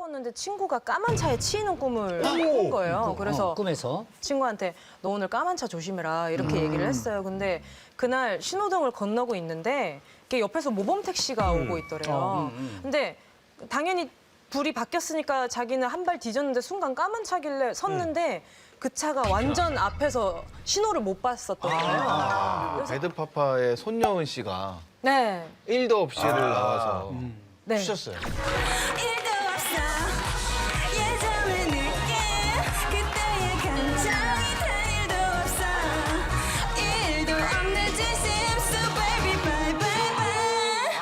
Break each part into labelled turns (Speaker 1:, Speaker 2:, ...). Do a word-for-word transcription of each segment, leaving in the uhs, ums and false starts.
Speaker 1: 싸웠는데 친구가 까만 차에 치이는 꿈을 꾼 거예요. 그래서
Speaker 2: 어, 꿈에서
Speaker 1: 친구한테 너 오늘 까만 차 조심해라 이렇게 얘기를 했어요. 근데 그날 신호등을 건너고 있는데 이렇게 옆에서 모범 택시가 오고 있더래요. 근데 당연히 불이 바뀌었으니까 자기는 한 발 뒤졌는데 순간 까만 차길래 섰는데 그 차가 완전 앞에서 신호를 못 봤었던 거예요.
Speaker 3: 아, 배드파파의 손여은 씨가
Speaker 1: 네.
Speaker 3: 일도 없이를 나와서
Speaker 1: 네.
Speaker 3: 추셨어요.
Speaker 4: 일도 없어 예전의 느낌 그때의 감정이 단 일도 없어 일도 없는 진심 So baby bye bye bye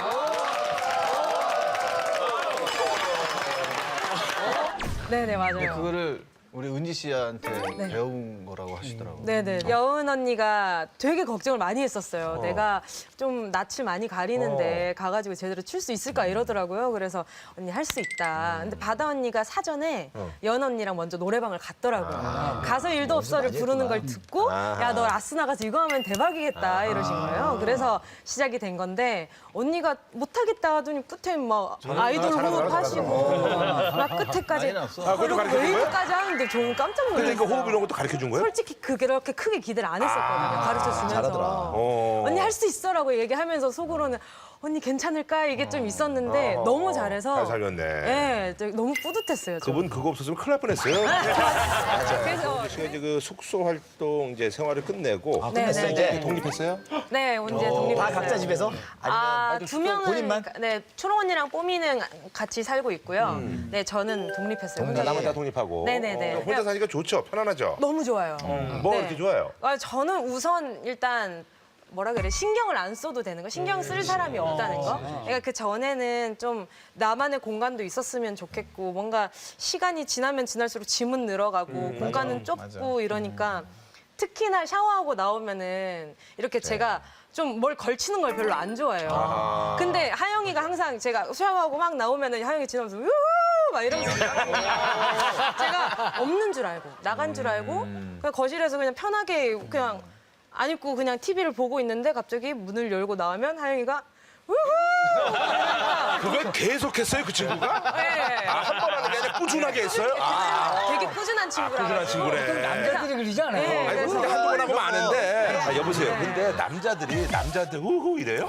Speaker 1: 네네 맞아요.
Speaker 3: 그거를 우리 은지 씨한테
Speaker 1: 네.
Speaker 3: 배운 거라고 하시더라고요.
Speaker 1: 네네. 여은 언니가 되게 걱정을 많이 했었어요. 내가 좀 낯을 많이 가리는데 가가지고 제대로 출 수 있을까 이러더라고요. 그래서 언니 할 수 있다. 근데 바다 언니가 사전에 여은 언니랑 먼저 노래방을 갔더라고요. 가서 일도 없어를 부르는 걸 듣고 야, 너 라스 나가서 이거 하면 대박이겠다 이러신 거예요. 그래서 시작이 된 건데 언니가 못하겠다 하더니 끝에 막 아이돌 호흡하시고 막 끝에까지
Speaker 3: 많이 났어.
Speaker 5: 아, 그것도 가르쳐 준 거야?
Speaker 1: 웨이브까지 하는데 저는 깜짝 놀랐어요.
Speaker 5: 그러니까 호흡 이런 것도 가르쳐 준 거예요?
Speaker 1: 솔직히 그렇게 크게 기대를 안 했었거든요. 가르쳐 주면서.
Speaker 5: 어.
Speaker 1: 언니 할 수 있어라고 얘기하면서 속으로는 언니 괜찮을까 이게 좀 있었는데 너무 잘해서
Speaker 5: 잘 살렸네.
Speaker 1: 예, 저 너무 뿌듯했어요. 저.
Speaker 5: 그분 그거 없었으면 큰일 날 뻔했어요.
Speaker 1: 그래서
Speaker 5: 씨가 이제 그 숙소 활동 이제 생활을 끝내고
Speaker 1: 네, 네, 네.
Speaker 5: 독립했어요?
Speaker 1: 네, 언제 독립했어요.
Speaker 6: 다 각자 집에서?
Speaker 1: 아, 두 명은
Speaker 6: 본인만?
Speaker 1: 네, 초롱 언니랑 뽀미는 같이 살고 있고요. 네, 저는 독립했어요. 혼자.
Speaker 5: 나머지 다 독립하고.
Speaker 1: 네네네.
Speaker 5: 어, 혼자 사니까 좋죠. 편안하죠.
Speaker 1: 너무 좋아요.
Speaker 5: 뭐가
Speaker 1: 네.
Speaker 5: 이렇게 좋아요?
Speaker 1: 아, 저는 우선 일단 뭐라 그래 신경을 안 써도 되는 거 신경 쓸 사람이 없다는 거 그러니까 그 전에는 좀 나만의 공간도 있었으면 좋겠고 뭔가 시간이 지나면 지날수록 짐은 늘어가고 공간은 좁고 이러니까 특히나 샤워하고 나오면은 이렇게 제가 좀 뭘 걸치는 걸 별로 안 좋아해요. 근데 하영이가 항상 제가 샤워하고 막 나오면은 하영이 지나면서 우후 막 이러면서 제가 없는 줄 알고 나간 줄 알고 그냥 거실에서 그냥 편하게 그냥 안 입고 그냥 티비를 보고 있는데 갑자기 문을 열고 나오면 하영이가 우후! 그러니까
Speaker 5: 그걸 계속했어요, 그 친구가?
Speaker 1: 네.
Speaker 5: 아, 한 번 하는 게 아니라 꾸준하게 했어요? 아,
Speaker 1: 되게 꾸준한 친구라.
Speaker 5: 꾸준한 친구네.
Speaker 2: 남자들이 그러지 않아요?
Speaker 1: 네,
Speaker 5: 아니,
Speaker 1: 그래서
Speaker 5: 근데 한두 번 하고 많은데. 아, 여보세요. 근데 남자들이 남자한테 후후 이래요?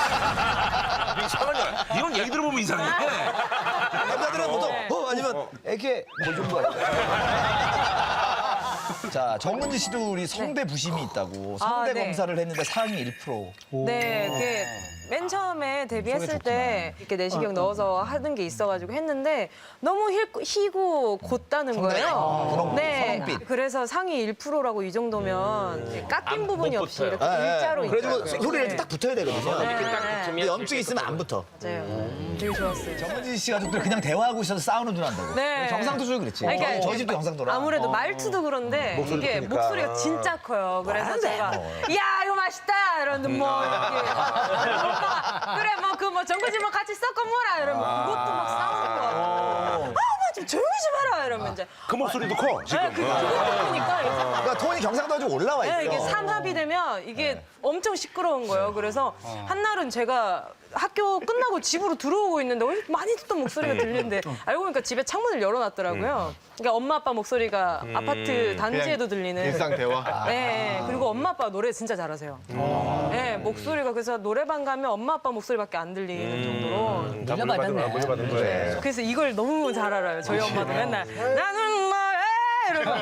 Speaker 5: 이상하냐. 이런 얘기 들어보면 이상해.
Speaker 6: 남자들은 보통 어 아니면 애기 뭐 정도 아니야? 자, 정은지 씨도 우리 성대 부심이 있다고 성대
Speaker 1: 아, 네.
Speaker 6: 검사를 했는데 상위 일 퍼센트.
Speaker 1: 네, 그게 맨 처음에 데뷔했을 때 이렇게 내시경 넣어서 하는 게 있어가지고 했는데 너무 힐, 희고 곧다는 거예요.
Speaker 6: 그런
Speaker 1: 네,
Speaker 6: 선홍빛.
Speaker 1: 그래서 상위 일 퍼센트라고 이 정도면 깎인 부분이 없이 이렇게 일자로
Speaker 6: 그래가지고
Speaker 1: 있더라고요.
Speaker 6: 소리를
Speaker 1: 네.
Speaker 6: 딱 붙어야 되거든요.
Speaker 1: 네, 네.
Speaker 6: 근데 염증이 있으면 안 붙어.
Speaker 1: 맞아요. 되게 좋았어요.
Speaker 6: 정은지 씨 가족들 그냥 대화하고 있어서 싸우는 난다고.
Speaker 1: 네.
Speaker 6: 경상도 좀 그렇지.
Speaker 1: 아니, 그러니까
Speaker 6: 저희 집도 경상도라.
Speaker 1: 아무래도 말투도 그런데
Speaker 5: 목소리도
Speaker 1: 이게
Speaker 5: 크니까.
Speaker 1: 목소리가 진짜 커요. 그래서
Speaker 6: 안 돼,
Speaker 1: 제가
Speaker 6: 뭐.
Speaker 1: 야 이거 맛있다 이러는데 뭐 이렇게 오빠가 그래 뭐 그 뭐 전구지 뭐 같이 섞어 먹어라 이러면 그것도 막 싸우는 거 같아요. 아뭐 좀 조용히 좀 해라 이러면 이제
Speaker 5: 그 목소리도 커, 지금.
Speaker 1: 네, 그 그러니까 이렇게
Speaker 6: 그러니까 톤이 경상도가 좀 올라와 있어.
Speaker 1: 네, 이게 삼합이 되면 이게 엄청 시끄러운 거예요. 그래서 한날은 제가 학교 끝나고 집으로 들어오고 있는데 어디서 많이 듣던 목소리가 들리는데 알고 보니까 집에 창문을 열어놨더라고요. 그러니까 엄마 아빠 목소리가 아파트 단지에도 들리는.
Speaker 3: 일상 대화.
Speaker 1: 네, 그리고 엄마 아빠 노래 진짜 잘하세요. 네, 목소리가 그래서 노래방 가면 엄마 아빠 목소리밖에 안 들리는 정도로.
Speaker 5: 다
Speaker 2: 물려받았네.
Speaker 5: 물려받은 거예요.
Speaker 1: 그래서 이걸 너무 잘 알아요. 저희 엄마도 맨날 나는 뭐해 이러고.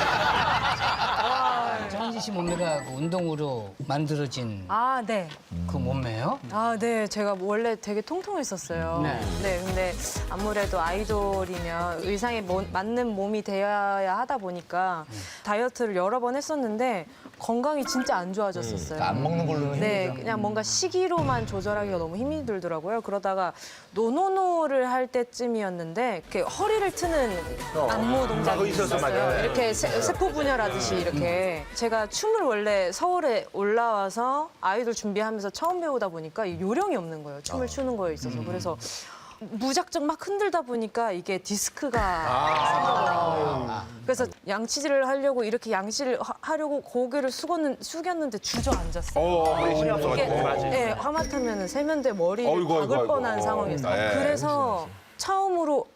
Speaker 2: 정은지 씨 몸매가 그 운동으로 만들어진
Speaker 1: 아, 네.
Speaker 2: 그 몸매요?
Speaker 1: 아, 네. 제가 원래 되게 통통했었어요.
Speaker 2: 네.
Speaker 1: 네. 근데 아무래도 아이돌이면 의상에 mo- 맞는 몸이 되어야 하다 보니까 다이어트를 여러 번 했었는데 건강이 진짜 안 좋아졌었어요.
Speaker 6: 그러니까 안 먹는 걸로는
Speaker 1: 네,
Speaker 6: 힘들죠.
Speaker 1: 그냥 뭔가 시기로만 조절하기가 너무 힘이 들더라고요. 그러다가 노노노를 할 때쯤이었는데 이렇게 허리를 트는 안무 동작이
Speaker 5: 그거 있었어,
Speaker 1: 있었어요.
Speaker 5: 맞아요.
Speaker 1: 이렇게 세, 세포 분열하듯이 이렇게 제가 춤을 원래 서울에 올라와서 아이돌 준비하면서 처음 배우다 보니까 이 요령이 없는 거예요. 춤을 추는 거에 있어서. 그래서 무작정 막 흔들다 보니까 이게 디스크가 생겨버려요. 그래서 양치질을 하려고 이렇게 양치를 하- 하려고 고개를 숙었는, 숙였는데 주저앉았어요.
Speaker 5: 어, 허리 힘이
Speaker 1: 이게
Speaker 5: 없어가지고.
Speaker 1: 네, 하마터면 세면대 머리를
Speaker 5: 어이구,
Speaker 1: 박을
Speaker 5: 어이구,
Speaker 1: 뻔한
Speaker 5: 어이구.
Speaker 1: 상황이었어요.
Speaker 5: 네.
Speaker 1: 그래서 처음으로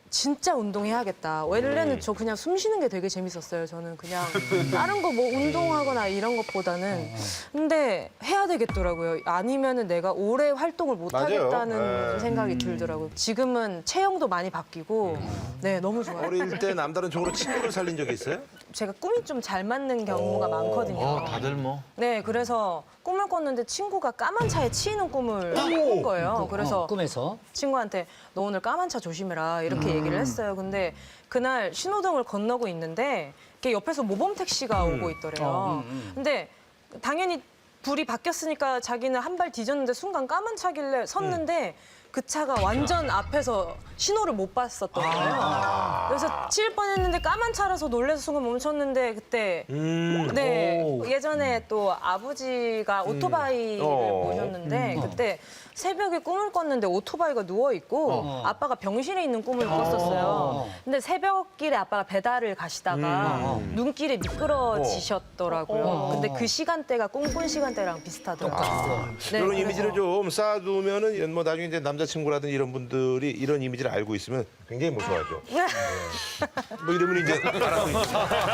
Speaker 1: 진짜 운동해야겠다. 원래는 저 그냥 숨 쉬는 게 되게 재밌었어요. 저는 그냥 다른 거 뭐 운동하거나 이런 것보다는. 근데 해야 되겠더라고요. 아니면은 내가 오래 활동을 못
Speaker 5: 맞아요.
Speaker 1: 하겠다는
Speaker 5: 네.
Speaker 1: 생각이 들더라고요. 지금은 체형도 많이 바뀌고 네, 너무 좋아요.
Speaker 5: 어릴 때 남다른 쪽으로 친구를 살린 적이 있어요?
Speaker 1: 제가 꿈이 좀 잘 맞는 경우가 많거든요.
Speaker 3: 어, 다들 뭐.
Speaker 1: 네, 그래서 꿈을 꿨는데 친구가 까만 차에 치이는 꿈을 꾼 거예요. 그래서
Speaker 2: 어, 꿈에서
Speaker 1: 친구한테 너 오늘 까만 차 조심해라 이렇게 얘기를 했어요. 근데 그날 신호등을 건너고 있는데 이렇게 옆에서 모범 택시가 오고 있더래요. 근데 당연히 불이 바뀌었으니까 자기는 한 발 뒤졌는데 순간 까만 차길래 섰는데 그 차가 완전 앞에서 신호를 못 봤었던 거예요. 그래서 치일 뻔했는데 까만 차라서 놀라서 순간 멈췄는데 그때 네 예전에 또 아버지가 오토바이를
Speaker 5: 어.
Speaker 1: 모셨는데 그때 새벽에 꿈을 꿨는데 오토바이가 누워 있고 아빠가 병실에 있는 꿈을 꿨었어요. 근데 새벽길에 아빠가 배달을 가시다가 눈길에 미끄러지셨더라고요. 근데 그 시간대가 꿈꾼 시간대랑 비슷하더라고요. 네,
Speaker 5: 이런
Speaker 1: 그래서-
Speaker 5: 이미지를 좀 쌓아두면은 이런 뭐 나중에 이제 남자친구라든지 이런 분들이 이런 이미지를 알고 있으면 굉장히 무서워하죠. 뭐 이러면 이제 알아서 이제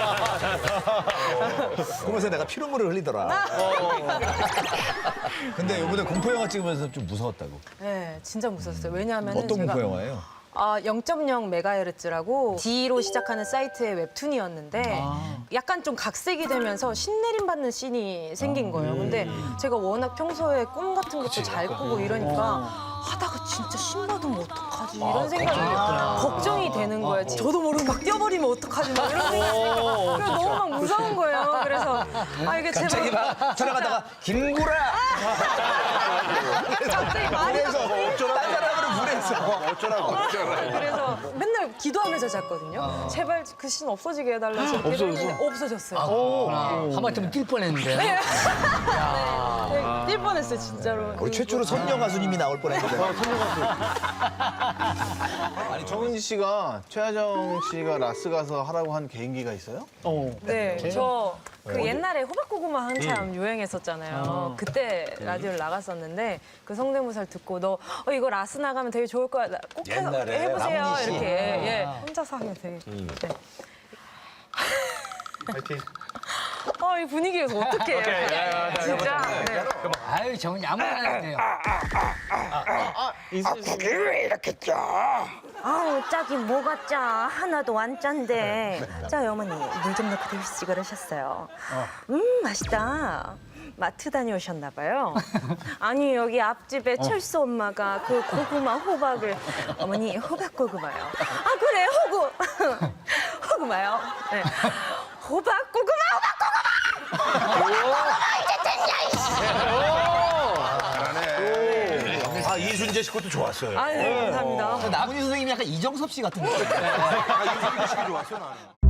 Speaker 6: 꿈에서 내가 피눈물을 흘리더라. 근데 이번에 공포 영화 찍으면서 좀 무서웠다고.
Speaker 1: 네, 진짜 무서웠어요. 왜냐하면
Speaker 6: 어떤
Speaker 1: 제가
Speaker 6: 공포 영화예요?
Speaker 1: 아, 영 점 영 메가헤르츠라고 D로 시작하는 사이트의 웹툰이었는데 약간 좀 각색이 되면서 신내림 받는 씬이 생긴 거예요. 근데 제가 워낙 평소에 꿈 같은 것도 잘 꾸고 이러니까 하다가 진짜 신 받으면 어떡하지 이런 생각이 걱정이 되는 거예요. 저도 모르게 막 뛰어버리면 어떡하지 막 이런 생각이 그래서 너무 막 무서운 거예요. 그래서 아 이게
Speaker 6: 갑자기
Speaker 1: 제발
Speaker 6: 막 촬영하다가 김구라!
Speaker 1: 갑자기 말이
Speaker 6: 그래서 딴 사람으로 물에서.
Speaker 5: 어쩌라고 어쩌라고.
Speaker 1: 그래서 맨날 기도하면서 잤거든요. 제발 그 신 없어지게 해달라고 이렇게 했는데 없어졌어요.
Speaker 2: 하마터면 뛸 뻔했는데.
Speaker 1: 네, 뛸 뻔했어요 진짜로.
Speaker 6: 우리 최초로 선녀 가수님이 나올 뻔했는데.
Speaker 3: 아니, 정은지 씨가 최하정 씨가 라스 가서 하라고 한 개인기가 있어요?
Speaker 1: 네, 저 그 옛날에 호박고구마 한참 유행했었잖아요. 그때 라디오를 나갔었는데 그 성대모사를 듣고 너 어, 이거 라스 나가면 되게 좋을 거야. 나 꼭 해,
Speaker 6: 옛날에
Speaker 1: 해보세요.
Speaker 6: 남훈이 씨.
Speaker 1: 이렇게 예, 혼자서 하면 되게. 네.
Speaker 5: 파이팅.
Speaker 1: 어, 이 분위기에서 어떡해요. 진짜. 네.
Speaker 2: 아유 정은이 아무나 해요.
Speaker 7: 아우 짝이 뭐가 짜 하나도 안 짠데 자 어머니 물 좀 넣고 드시지 그러셨어요. 음 맛있다. 마트 다녀오셨나 봐요. 아니 여기 앞집에 철수 엄마가 그 고구마 호박을 어머니 호박 고구마요. 아 그래 호구 호구마요. 네. 호박 고구마 호박
Speaker 5: 아 이순재 씨 것도 좋았어요.
Speaker 1: 아, 네, 감사합니다.
Speaker 6: 나문희 선생님이 약간 이정섭 씨 같은 거.
Speaker 5: 아 이순재 씨 좋았어 나는.